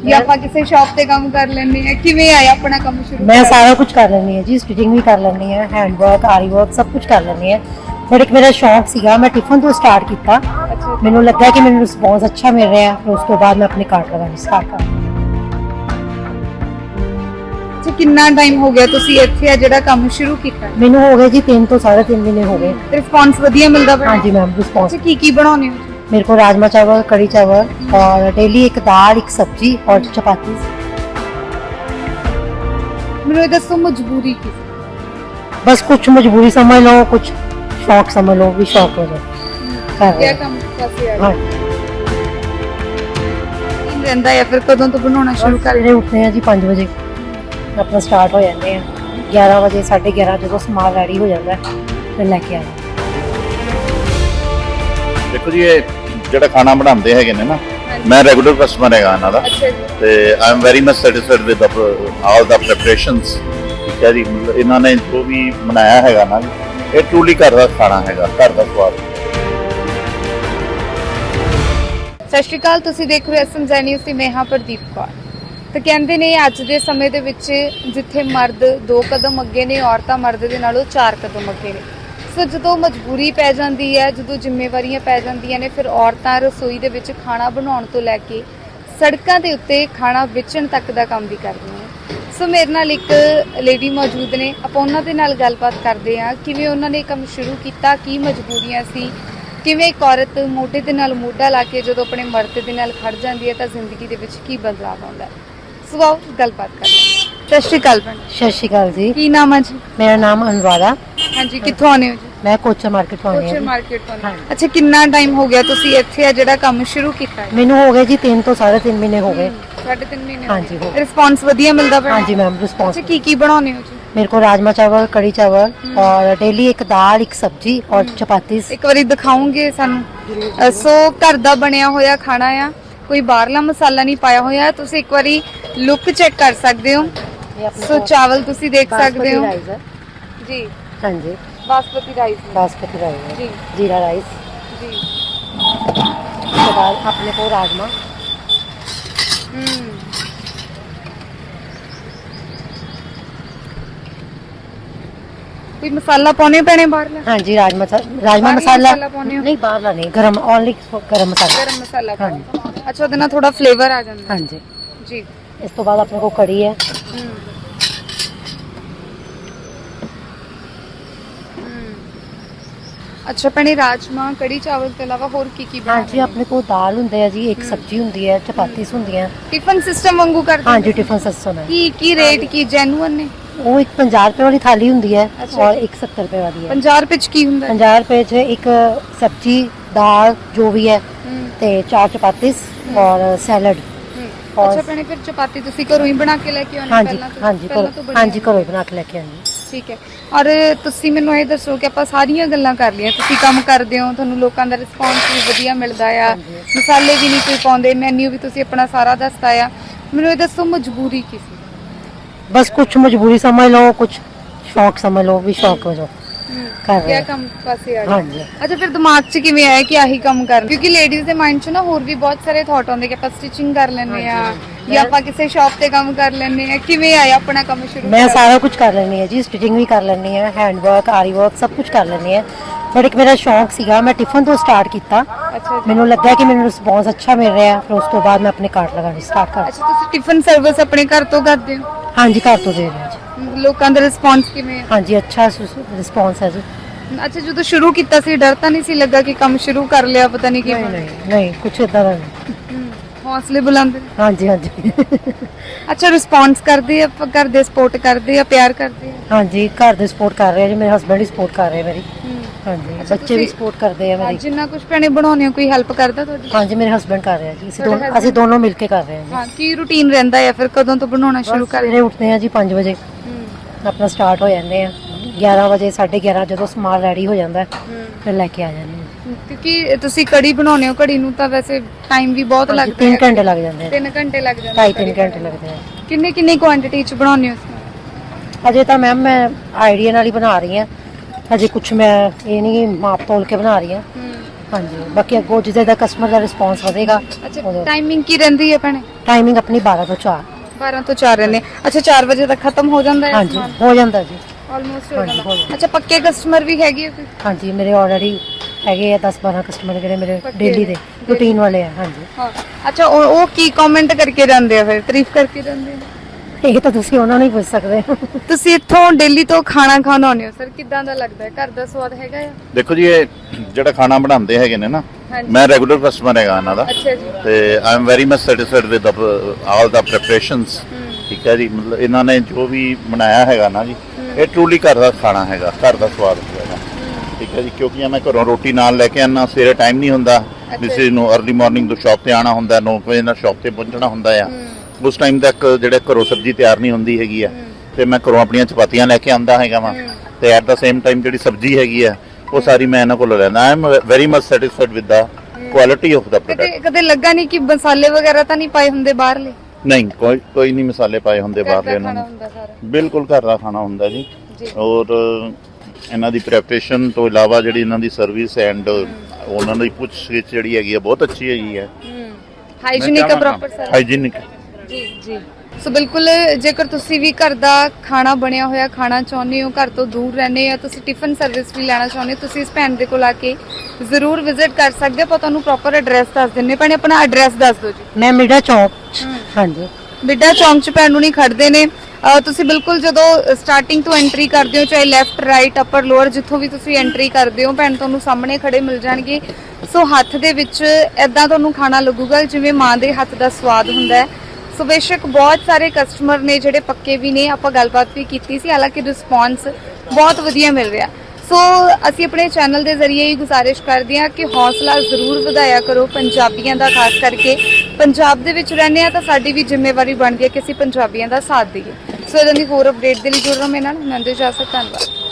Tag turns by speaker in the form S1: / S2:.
S1: ਜਾਂ ਆਪਾਂ ਕਿਸੇ ਸ਼ਾਪ ਤੇ ਕੰਮ ਕਰ ਲੈਂਦੇ ਆ? ਕਿਵੇਂ ਆਇਆ ਆਪਣਾ ਕੰਮ ਸ਼ੁਰੂ?
S2: मैं सारा कुछ कर लेनी है जी, स्टिचिंग भी कर लेनी है, हैंड वर्क, आरी वर्क सब कुछ कर लेनी है। बट एक मेरा शौक सीगा, मैं टिफन तो स्टार्ट किया,
S1: ਅੱਛਾ
S2: मैनू लगा कि मैनू रिस्पॉन्स अच्छा मिल रहा है, फिर उस तो बाद मैं अपने कार्ट लगानी स्टार्ट कर।
S1: ਅੱਛਾ, ਕਿੰਨਾ ਟਾਈਮ ਹੋ ਗਿਆ ਤੁਸੀਂ ਇੱਥੇ ਆ ਜਿਹੜਾ ਕੰਮ ਸ਼ੁਰੂ ਕੀਤਾ?
S2: मैनू हो गए जी 3 तो 3.5 महीने हो गए।
S1: ਰਿਸਪੌਂਸ ਵਧੀਆ ਮਿਲਦਾ ਪਿਆ?
S2: हाँ जी मैम, रिस्पॉन्स।
S1: ਅੱਛਾ, ਕੀ ਬਣਾਉਂਦੇ ਹੋ?
S2: मेरे को राजमा चावल, कड़ी चावल और डेली एक दाल, एक सब्जी और चपाती।
S1: ਮੈਨੂੰ ਇਹ ਦੱਸੋ ਮਜਬੂਰੀ ਕੀ ਸੀ?
S2: बस कुछ मजबूरी समझ लो, कुछ शौक समझ लो, भी शौक हो जाए कर रहे
S1: ਕਿਆ
S2: हैं।
S1: ਕੰਮ ਪਾਸੇ ਆ
S2: हाँ,
S1: ਕੀ ਰਹਿੰਦਾ ਹੈ ਫਿਰ ਕਦੋਂ ਤੋਂ ਬਣਾਉਣਾ ਸ਼ੁਰੂ ਕਰ?
S2: सवेरे उठते हैं जी 5 बजे, अपना स्टार्ट हो जाते हैं 11 बजे 11:30 जो समान रेडी हो जाता है फिर लेके आए।
S3: ਦੇਖੋ ਜੀ, ਇਹ ਜਿਹੜਾ ਖਾਣਾ ਬਣਾਉਂਦੇ ਹੈਗੇ ਨੇ ਨਾ, ਮੈਂ ਰੈਗੂਲਰ ਕਸਟਮਰ ਹੈਗਾ ਇਹਨਾਂ ਦਾ
S1: ਅੱਛਾ ਜੀ।
S3: ਤੇ I am very much satisfied with all the preparations. ਠੀਕ ਹੈ ਜੀ, ਮਤਲਬ ਇਹਨਾਂ ਨੇ ਜੋ ਵੀ ਬਣਾਇਆ ਹੈਗਾ ਨਾ, ਇਹ ਟਰੂਲੀ ਘਰ ਦਾ ਖਾਣਾ ਹੈਗਾ, ਘਰ ਦਾ ਸਵਾਦ।
S1: ਸਤਿ ਸ਼੍ਰੀ ਅਕਾਲ, ਤੁਸੀਂ ਦੇਖ ਰਹੇ ਹੋ ਐਸਐਮਜ਼ੈਡ ਨਿਊਜ਼ ਤੇ ਮੈਂ ਹਾਂ ਪ੍ਰਦੀਪ ਕੌਰ। ਤਾਂ ਕਹਿੰਦੇ ਨੇ ਅੱਜ ਦੇ ਸਮੇਂ ਦੇ ਵਿੱਚ ਜਿੱਥੇ ਮਰਦ 2 ਕਦਮ ਅੱਗੇ ਨੇ, ਔਰਤਾਂ ਮਰਦ ਦੇ ਨਾਲੋਂ 4 ਕਦਮ ਅੱਗੇ ਨੇ। ਸੋ ਜਦੋਂ ਮਜਬੂਰੀ ਪੈ ਜਾਂਦੀ ਹੈ, ਜਦੋਂ ਜ਼ਿੰਮੇਵਾਰੀਆਂ ਪੈ ਜਾਂਦੀਆਂ ਨੇ, ਫਿਰ ਔਰਤਾਂ ਰਸੋਈ ਦੇ ਵਿੱਚ ਖਾਣਾ ਬਣਾਉਣ ਤੋਂ ਲੈ ਕੇ ਸੜਕਾਂ ਦੇ ਉੱਤੇ ਖਾਣਾ ਵੇਚਣ ਤੱਕ ਦਾ ਕੰਮ ਵੀ ਕਰਦੀਆਂ ਨੇ। ਸੋ ਮੇਰੇ ਨਾਲ ਇੱਕ ਲੇਡੀ ਮੌਜੂਦ ਨੇ, ਆਪਾਂ ਉਹਨਾਂ ਦੇ ਨਾਲ ਗੱਲਬਾਤ ਕਰਦੇ ਹਾਂ ਕਿਵੇਂ ਉਹਨਾਂ ਨੇ ਇਹ ਕੰਮ ਸ਼ੁਰੂ ਕੀਤਾ, ਕੀ ਮਜਬੂਰੀਆਂ ਸੀ, ਕਿਵੇਂ ਇੱਕ ਔਰਤ ਮੋਢੇ ਦੇ ਨਾਲ ਮੋਢਾ ਲਾ ਕੇ ਜਦੋਂ ਆਪਣੇ ਮਰਦ ਦੇ ਨਾਲ ਖੜ ਜਾਂਦੀ ਹੈ ਤਾਂ ਜ਼ਿੰਦਗੀ ਦੇ ਵਿੱਚ ਕੀ ਬਦਲਾਅ ਆਉਂਦਾ ਹੈ। ਸੋ ਆਓ ਗੱਲਬਾਤ ਕਰਦੇ ਹਾਂ। ਸਤਿ ਸ਼੍ਰੀ ਅਕਾਲ ਭੈਣ।
S2: सत श्री अकाल जी,
S1: ਕੀ ਨਾਮ ਹੈ ਜੀ?
S2: मेरा नाम अनुराधा,
S1: ਹਾਂਜੀ, ਕਿੱਥੋਂ ਆਉਂਦੇ ਹੋ ਜੀ?
S2: मैं कोचर मार्केट तो आई
S1: ਕੋਚਰ
S2: हूँ।
S1: ਮਾਰਕੀਟ ਤੋਂ।
S2: ਹਾਂਜੀ।
S1: ਅੱਛਾ, ਕਿੰਨਾ ਟਾਈਮ ਹੋ ਗਿਆ ਤੁਸੀਂ ਇੱਥੇ ਆ ਜਿਹੜਾ ਕੰਮ ਸ਼ੁਰੂ ਕੀਤਾ ਹੈ?
S2: मैनू हो गए जी 3 तो 3.5 महीने हो गए।
S1: 3.5 ਮਹੀਨੇ
S2: ਹਾਂਜੀ, ਹੋ ਗਏ।
S1: ਰਿਸਪੌਂਸ ਵਧੀਆ ਮਿਲਦਾ ਪਿਆ?
S2: हाँ जी मैम, रिस्पॉन्स।
S1: ਅੱਛਾ, ਕੀ ਬਣਾਉਂਦੇ ਹੋ ਜੀ?
S2: मेरे को राजमा चावल, कड़ी चावल और डेली एक दाल, एक सब्जी और चपाती।
S1: ਇੱਕ ਵਾਰੀ ਦਿਖਾਉਂਗੇ ਸਾਨੂੰ? ਸੋ ਘਰ ਦਾ ਬਣਿਆ ਹੋਇਆ ਖਾਣਾ ਆ, ਕੋਈ ਬਾਹਰਲਾ ਮਸਾਲਾ ਨਹੀਂ ਪਾਇਆ ਹੋਇਆ। ਤੁਸੀਂ ਇੱਕ ਵਾਰੀ ਲੁੱਕ ਚੈੱਕ ਕਰ ਸਕਦੇ ਹੋ। ਸੋ ਚਾਵਲ ਤੁਸੀਂ ਦੇਖ ਸਕਦੇ ਹੋ ਜੀ।
S2: हाँ जी,
S1: ਬਾਸਮਤੀ ਰਾਈਸ
S2: बासमती राइस,
S1: जी।
S2: जीरा राइस,
S1: ਜੀ।
S2: उसके बाद अपने को राजमा,
S1: ਕੋਈ ਮਸਾਲਾ ਪਾਉਣੇ ਪੈਣੇ ਬਾਹਰਲਾ?
S2: हाँ जी राजमा राजमा
S1: बाहर
S2: मसाला
S1: मसाला पाउने हो?
S2: नहीं, बाहर नहीं, गरम ओनली गरम मसाला।
S1: ਗਰਮ ਮਸਾਲਾ
S2: हाँ
S1: ਪਾਓ। ਅੱਛਾ, ਉਹਦੇ ਨਾਲ ਥੋੜਾ ਫਲੇਵਰ ਆ ਜਾਂਦਾ
S2: हाँ
S1: ਹੈ।
S2: जी।
S1: ਜੀ।
S2: इस तो बाद अपने को कड़ी है,
S1: ਅੱਛਾ ਭੈਣੇ, ਰਾਜਮਾ ਕੜੀ ਚਾਵਲ ਤੋਂ ਇਲਾਵਾ ਹੋਰ ਕੀ ਕੀ
S2: हाँ
S1: ਬਣਾਉਂਦੇ
S2: जी अपने को दाल ਹੁੰਦੇ ਆ ਜੀ, ਇੱਕ ਸਬਜ਼ੀ ਹੁੰਦੀ ਹੈ, ਚਪਾਤੀਸ ਹੁੰਦੀਆਂ।
S1: ਟਿਫਨ ਸਿਸਟਮ ਵਾਂਗੂ ਕਰਦੇ
S2: हाँ
S1: ਹੋ?
S2: जी, टिफिन सिस्टम है।
S1: ਕੀ ਰੇਟ ਕੀ ਜੈਨੂਅਨ ਨੇ?
S2: वो एक 50 रुपए वाली थाली ਹੁੰਦੀ है
S1: अच्छा
S2: और
S1: जी।
S2: एक 70 रुपए वाली है।
S1: 50 ਰੁਪਏ ਚ ਕੀ ਹੁੰਦਾ ਹੈ?
S2: 50 रुपए च एक सब्जी, दाल जो भी है ਤੇ 4 चपातीस और सैलड। और
S1: ਅੱਛਾ ਭੈਣੇ, ਫਿਰ ਚਪਾਤੀ ਤੁਸੀਂ ਘਰੋਂ ਹੀ ਬਣਾ ਕੇ ਲੈ ਕੇ ਆਉਂਦੇ
S2: हाँ
S1: ਹੋ
S2: जी,
S1: ਪਹਿਲਾਂ ਤੋਂ?
S2: हाँ जी
S1: ਪਹਿਲਾਂ ਤੋਂ
S2: करो,
S1: ਬਣੀ
S2: हाँ जी
S1: ਹੋਈ?
S2: करो बना के लेके आनी।
S1: ਠੀਕ ਹੈ। ਔਰ ਤੁਸੀਂ ਮੈਨੂੰ ਇਹ ਦੱਸੋ ਕਿ ਆਪਾਂ ਸਾਰੀਆਂ ਗੱਲਾਂ ਕਰ ਲਈਆਂ, ਤੁਸੀਂ ਕੰਮ ਕਰਦੇ ਹੋ, ਤੁਹਾਨੂੰ ਲੋਕਾਂ ਦਾ ਰਿਸਪੌਂਸ ਵੀ ਵਧੀਆ ਮਿਲਦਾ ਆ,
S2: ਹਾਂਜੀ।
S1: ਮਸਾਲੇ ਵੀ ਨਹੀਂ ਕੋਈ ਪਾਉਂਦੇ, ਮੈਨੂ ਵੀ ਤੁਸੀਂ ਆਪਣਾ ਸਾਰਾ ਦੱਸਤਾ ਆ। ਮੈਨੂੰ ਇਹ ਦੱਸੋ ਮਜਬੂਰੀ ਕੀ ਸੀ?
S2: बस कुछ मजबूरी समझ लो, कुछ शौक समझ लो, भी शौक हो जाओ कर रहे
S1: ਕਿਆ
S2: हैं।
S1: ਕੰਮ ਪਾਸੇ ਆ
S2: हाँ
S1: ਗਏ?
S2: जी।
S1: ਅੱਛਾ, ਫਿਰ ਦਿਮਾਗ 'ਚ ਕਿਵੇਂ ਆਇਆ ਕਿ ਆਹੀ ਕੰਮ ਕਰਨਾ? ਕਿਉਂਕਿ ਲੇਡੀਜ਼ ਦੇ ਮਾਈਂਡ 'ਚ ਨਾ ਹੋਰ ਵੀ ਬਹੁਤ ਸਾਰੇ ਥਾਟ ਆਉਂਦੇ ਕਿ ਆਪਾਂ ਸਟਿਚਿੰਗ ਕਰ ਲੈਂਦੇ ਆ ਜਾਂ ਆਪਾਂ ਕਿਸੇ ਸ਼ਾਪ ਤੇ ਕੰਮ ਕਰ ਲੈਂਦੇ ਆ। ਕਿਵੇਂ ਆਇਆ ਆਪਣਾ ਕੰਮ ਸ਼ੁਰੂ
S2: मैं
S1: ਕਰਨ?
S2: सारा कुछ कर लेनी है जी, स्टिचिंग भी कर लेनी है, हैंड वर्क, आरी वर्क सब कुछ कर लेनी है। बट एक मेरा शौक सीगा, मैं टिफन तो स्टार्ट किया,
S1: ਅੱਛਾ ਜੀ।
S2: मैनू लगा कि मैनू रिस्पॉन्स अच्छा मिल रहा है, फिर उस तो बाद मैं अपने कार्ट लगानी स्टार्ट कर।
S1: ਅੱਛਾ, ਤੁਸੀਂ ਟਿਫਨ ਸਰਵਿਸ ਆਪਣੇ ਘਰ ਤੋਂ ਕਰਦੇ ਹੋ?
S2: हाँ जी, घर तो दे रहे हैं जी।
S1: ਲੋਕਾਂ ਦਾ ਰਿਸਪੌਂਸ ਕਿਵੇਂ ਆ?
S2: हाँ जी, अच्छा रिस्पॉन्स है जी।
S1: ਅੱਛਾ, ਜਦੋਂ ਸ਼ੁਰੂ ਕੀਤਾ ਸੀ ਡਰ ਤਾਂ ਨਹੀਂ ਸੀ ਲੱਗਾ ਕਿ ਕੰਮ ਸ਼ੁਰੂ ਕਰ ਲਿਆ ਪਤਾ ਨਹੀਂ
S2: नहीं
S1: ਕਿਵੇਂ?
S2: नहीं नहीं, कुछ इदा का नहीं।
S1: ਹੌਸਲੇ ਬੁਲੰਦ ਨੇ।
S2: हाँ जी, हाँ जी।
S1: ਅੱਛਾ, ਰਿਸਪੌਂਸ ਕਰਦੇ ਆ, ਘਰ ਦੇ ਸਪੋਰਟ ਕਰਦੇ ਆ, ਪਿਆਰ ਕਰਦੇ ਆ?
S2: हाँ जी, घर दे सपोर्ट कर रहे हैं जी, मेरे हस्बैंड ही सपोर्ट कर रहे हैं मेरी। हाँ जी,
S1: अच्छा,
S2: बच्चे भी
S1: तुसी-
S2: सपोर्ट करते हैं मेरी।
S1: ਜਿੰਨਾ ਕੁਝ ਭੈਣੇ ਬਣਾਉਂਦੇ ਹੋ ਕੋਈ ਹੈਲਪ ਕਰਦਾ ਤੁਹਾਡੀ?
S2: हाँ जी, मेरे हस्बैंड कर रहे हैं जी,
S1: ਤੁਹਾਡੇ husband?
S2: ਅਸੀਂ दोनों मिलके कर रहे हैं जी।
S1: ਹਾਂ, ਕੀ ਰੂਟੀਨ ਰਹਿੰਦਾ ਹੈ ਫਿਰ ਕਦੋਂ ਤੋਂ ਬਣਾਉਣਾ ਸ਼ੁਰੂ ਕਰ?
S2: सवेरे उठते हैं जी 5 बजे, अपना स्टार्ट हो जाते हैं 11 बजे 11:30 ਜਦੋਂ ਸਮਾਨ ਰੈਡੀ ਹੋ ਜਾਂਦਾ ਹੈ ਫਿਰ ਲੈ ਕੇ ਆ ਜਾਂਦੇ ਹਾਂ।
S1: ਕਿਉਂਕਿ ਤੁਸੀਂ ਕੜੀ ਬਣਾਉਂਦੇ ਹੋ, ਕੜੀ ਨੂੰ ਤਾਂ ਵੈਸੇ ਟਾਈਮ ਵੀ ਬਹੁਤ ਲੱਗਦਾ
S2: 3 ਘੰਟੇ ਲੱਗ ਜਾਂਦੇ ਆ,
S1: 3 ਘੰਟੇ ਲੱਗ ਜਾਂਦੇ
S2: 2.5-3 ਘੰਟੇ ਲੱਗਦੇ ਆ।
S1: ਕਿੰਨੇ ਕਿੰਨੇ ਕੁਆਂਟੀਟੀ ਚ ਬਣਾਉਂਦੇ ਹੋ?
S2: ਅਜੇ ਤਾਂ ਮੈਮ ਮੈਂ ਆਈਡੀਆ ਨਾਲ ਹੀ ਬਣਾ ਰਹੀ ਹਾਂ, ਅਜੇ ਕੁਝ ਮੈਂ ਇਹ ਨਹੀਂ ਮਾਪ ਤੋਲ ਕੇ ਬਣਾ ਰਹੀ ਹਾਂ। ਹਾਂਜੀ ਬਾਕੀ ਅੱਗੋਂ ਜਿਹਦੇ ਦਾ ਕਸਟਮਰ ਦਾ ਰਿਸਪੌਂਸ ਵਧੇਗਾ
S1: ਅੱਛਾ ਟਾਈਮਿੰਗ ਕੀ ਰਹਿੰਦੀ ਹੈ ਭੈਣੇ?
S2: ਟਾਈਮਿੰਗ ਆਪਣੀ 12 ਤੋਂ 4
S1: 12 ਤੋਂ 4 ਰਹਿੰਦੇ ਅੱਛਾ 4 ਵਜੇ ਤੱਕ ਖਤਮ ਹੋ ਜਾਂਦਾ ਹੈ
S2: ਹਾਂਜੀ ਹੋ ਜਾਂਦਾ ਜੀ।
S1: ਆਲਮੋਸਟ ਹੋ
S2: ਹਾਂਜੀ, ਹੋ
S1: ਜਾਂਦਾ
S2: ਜਾਂਦਾ।
S1: ਅੱਛਾ ਪੱਕੇ ਕਸਟਮਰ ਵੀ ਹੈਗੇ ਆ ਫਿਰ?
S2: ਹਾਂਜੀ ਮੇਰੇ ਆਲਰੇਡੀ ਹੈਗੇ ਆ 10-12 ਕਸਟਮਰ ਜਿਹੜੇ ਮੇਰੇ
S1: ਪੱਕੇ
S2: ਡੇਲੀ ਦੇ
S1: ਨੇ।
S2: ਰੂਟੀਨ ਵਾਲੇ ਆ। ਹਾਂਜੀ
S1: ਹਾਂ ਅੱਛਾ ਉਹ ਕੀ ਕਮੈਂਟ ਕਰਕੇ ਜਾਂਦੇ ਆ ਫਿਰ ਤਾਰੀਫ ਕਰਕੇ ਜਾਂਦੇ ਆ?
S2: ਇਹ ਤਾਂ ਤੁਸੀਂ ਉਹਨਾਂ ਨੂੰ ਹੀ ਪੁੱਛ ਸਕਦੇ ਹੋ।
S1: ਤੁਸੀਂ ਇੱਥੋਂ ਦਿੱਲੀ ਤੋਂ ਖਾਣਾ ਖਾਣ ਆਉਂਦੇ ਹੋ ਸਰ ਕਿੱਦਾਂ ਦਾ ਲੱਗਦਾ ਹੈ? ਘਰ ਦਾ ਸਵਾਦ ਹੈਗਾ ਆ?
S3: ਦੇਖੋ ਜੀ ਇਹ ਜਿਹੜਾ ਖਾਣਾ ਬਣਾਉਂਦੇ ਹੈਗੇ ਨੇ ਨਾ
S1: ਹਾਂਜੀ।
S3: ਮੈਂ ਰੈਗੂਲਰ ਕਸਟਮਰ ਹੈਗਾ ਇਹਨਾਂ ਦਾ
S1: ਅੱਛਾ ਜੀ
S3: ਤੇ I am very much satisfied with all the preparations. ਠੀਕ ਹੈ ਜੀ ਮਤਲਬ ਇਹਨਾਂ ਨੇ ਜੋ ਵੀ ਬਣਾਇਆ ਹੈਗਾ ਨਾ ਜੀ ਇਹ ਟਰੂਲੀ ਘਰ ਦਾ ਖਾਣਾ ਹੈਗਾ, ਘਰ ਦਾ ਸਵਾਦ ਹੈਗਾ। ਠੀਕ ਹੈ ਜੀ ਕਿਉਂਕਿ ਮੈਂ ਘਰੋਂ ਰੋਟੀ ਨਾਲ ਲੈ ਕੇ ਆਉਣਾ, ਸਵੇਰੇ ਟਾਈਮ ਨਹੀਂ ਹੁੰਦਾ ਕਿਸੇ ਨੂੰ ਅਰਲੀ ਮਾਰਨਿੰਗ ਤੋਂ ਸ਼ਾਪ ਤੇ ਆਉਣਾ ਹੁੰਦਾ, 9 ਵਜੇ ਨਾਲ ਸ਼ਾਪ ਤੇ ਪਹੁੰਚਣਾ ਹੁੰਦਾ ਆ। ਉਸ ਟਾਈਮ ਤੱਕ ਜਿਹੜੇ ਘਰੋਂ ਸਬਜ਼ੀ ਤਿਆਰ ਨਹੀਂ ਹੁੰਦੀ ਹੈਗੀ ਆ ਤੇ ਮੈਂ ਘਰੋਂ ਆਪਣੀਆਂ ਚਪਾਤੀਆਂ ਲੈ ਕੇ ਆਉਂਦਾ ਹੈਗਾ ਵਾਂ ਤੇ ਐਟ ਦਾ ਸੇਮ ਟਾਈਮ ਜਿਹੜੀ ਸਬਜ਼ੀ ਹੈਗੀ ਆ ਉਹ ਸਾਰੀ ਮੈਂ ਇਹਨਾਂ ਕੋਲੋਂ ਲੈਂਦਾ। I am very much satisfied with the quality of the product.
S1: ਕਦੇ ਲੱਗਾ ਨਹੀਂ ਕਿ ਮਸਾਲੇ ਵਗੈਰਾ ਤਾਂ ਨਹੀਂ ਪਾਏ ਹੁੰਦੇ ਬਾਹਰਲੇ?
S3: ਨਹੀਂ ਕੋਈ ਨਹੀਂ ਮਸਾਲੇ ਪਾਏ ਹੁੰਦੇ ਬਾਹਰਲੇ ਇਹਨਾਂ
S1: ਖਾਣਾ
S3: ਨੇ,
S1: ਹੁੰਦਾ ਸਾਰਾ?
S3: ਬਿਲਕੁਲ ਘਰ ਦਾ ਖਾਣਾ ਹੁੰਦਾ ਜੀ।
S1: ਜੀ।
S3: ਔਰ ਇਹਨਾਂ ਦੀ ਪ੍ਰੈਪਰੇਸ਼ਨ ਤੋਂ ਇਲਾਵਾ ਜਿਹੜੀ ਇਹਨਾਂ ਦੀ ਸਰਵਿਸ ਐਂਡ ਉਹਨਾਂ ਦੀ ਪੁੱਛਗਿੱਛ ਜਿਹੜੀ ਹੈਗੀ ਆ ਬਹੁਤ ਅੱਛੀ ਹੈਗੀ ਹੈ।
S1: ਹਾਈਜੀਨਿਕ ਹੈ ਪ੍ਰੋਪਰ ਸਾਰਾ?
S3: ਹਾਈਜੀਨਿਕ।
S1: ਜੀ ਜੀ ਸੋ ਬਿਲਕੁਲ ਜੇਕਰ ਤੁਸੀਂ ਵੀ ਘਰ ਦਾ ਖਾਣਾ ਬਣਿਆ ਹੋਇਆ ਖਾਣਾ ਚਾਹੁੰਦੇ ਹੋ, ਘਰ ਤੋਂ ਦੂਰ ਰਹਿੰਦੇ ਹੋ, ਤੁਸੀਂ ਟਿਫਨ ਸਰਵਿਸ ਵੀ ਲੈਣਾ ਚਾਹੁੰਦੇ ਹੋ, ਤੁਸੀਂ ਇਸ ਭੈਣ ਦੇ ਕੋਲ ਆ ਕੇ ਜ਼ਰੂਰ ਵਿਜ਼ਿਟ ਕਰ ਸਕਦੇ ਹੋ। ਆਪਾਂ ਤੁਹਾਨੂੰ ਪ੍ਰੋਪਰ ਐਡਰੈਸ ਦੱਸ ਦਿੰਨੇ ਭੈਣੇ, ਆਪਣਾ ਐਡਰੈਸ ਦੱਸ ਦਿਓ ਜੀ।
S2: ਮੈਂ ਮਿਰਜ਼ਾ ਚੌਂਕ ਹਾਂਜੀ
S1: ਬਿੱਡਾ ਚੌਂਕ 'ਚ ਭੈਣ ਨੂੰ ਨਹੀਂ ਖੜਦੇ ਨੇ। ਤੁਸੀਂ ਬਿਲਕੁਲ ਜਦੋਂ ਸਟਾਰਟਿੰਗ ਤੋਂ ਐਂਟਰੀ ਕਰਦੇ ਹੋ ਚਾਹੇ ਲੈਫਟ ਰਾਈਟ ਅਪਰ ਲੋਅਰ ਜਿੱਥੋਂ ਵੀ ਤੁਸੀਂ ਐਂਟਰੀ ਕਰਦੇ ਹੋ ਭੈਣ ਤੁਹਾਨੂੰ ਸਾਹਮਣੇ ਖੜੇ ਮਿਲ ਜਾਣਗੇ। ਸੋ ਹੱਥ ਦੇ ਵਿੱਚ ਐਦਾਂ ਤੁਹਾਨੂੰ ਖਾਣਾ ਲੱਗੂਗਾ ਜਿਵੇਂ ਮਾਂ ਦੇ ਹੱਥ ਦਾ ਸਵਾਦ ਹੁੰਦਾ ਹੈ। ਸੋ ਬੇਸ਼ੱਕ ਬਹੁਤ ਸਾਰੇ ਕਸਟਮਰ ਨੇ ਜਿਹੜੇ ਪੱਕੇ ਵੀ ਨੇ, ਆਪਾਂ ਗੱਲਬਾਤ ਵੀ ਕੀਤੀ ਸੀ, ਹਾਲਾਂਕਿ ਰਿਸਪੌਂਸ ਬਹੁਤ ਵਧੀਆ ਮਿਲ ਰਿਹਾ। ਸੋ ਅਸੀਂ ਆਪਣੇ ਚੈਨਲ ਦੇ ਜ਼ਰੀਏ ਹੀ ਗੁਜ਼ਾਰਿਸ਼ ਕਰਦੇ ਹਾਂ ਕਿ ਹੌਸਲਾ ਜ਼ਰੂਰ ਵਧਾਇਆ ਕਰੋ ਪੰਜਾਬੀਆਂ ਦਾ, ਖਾਸ ਕਰਕੇ ਪੰਜਾਬ ਦੇ ਵਿੱਚ ਰਹਿੰਦੇ ਆ ਤਾਂ ਸਾਡੀ ਵੀ ਜ਼ਿੰਮੇਵਾਰੀ ਬਣਦੀ ਹੈ ਕਿ ਅਸੀਂ ਪੰਜਾਬੀਆਂ ਦਾ ਸਾਥ ਦਈਏ। ਸੋ ਇਹਨਾਂ ਦੀ ਹੋਰ ਅਪਡੇਟ ਦੇ ਲਈ ਜੁੜ ਰਹੋ ਮੇਰੇ ਨਾਲ। ਮੈਂ ਦੇ ਇਜਾਜ਼ਤ, ਧੰਨਵਾਦ।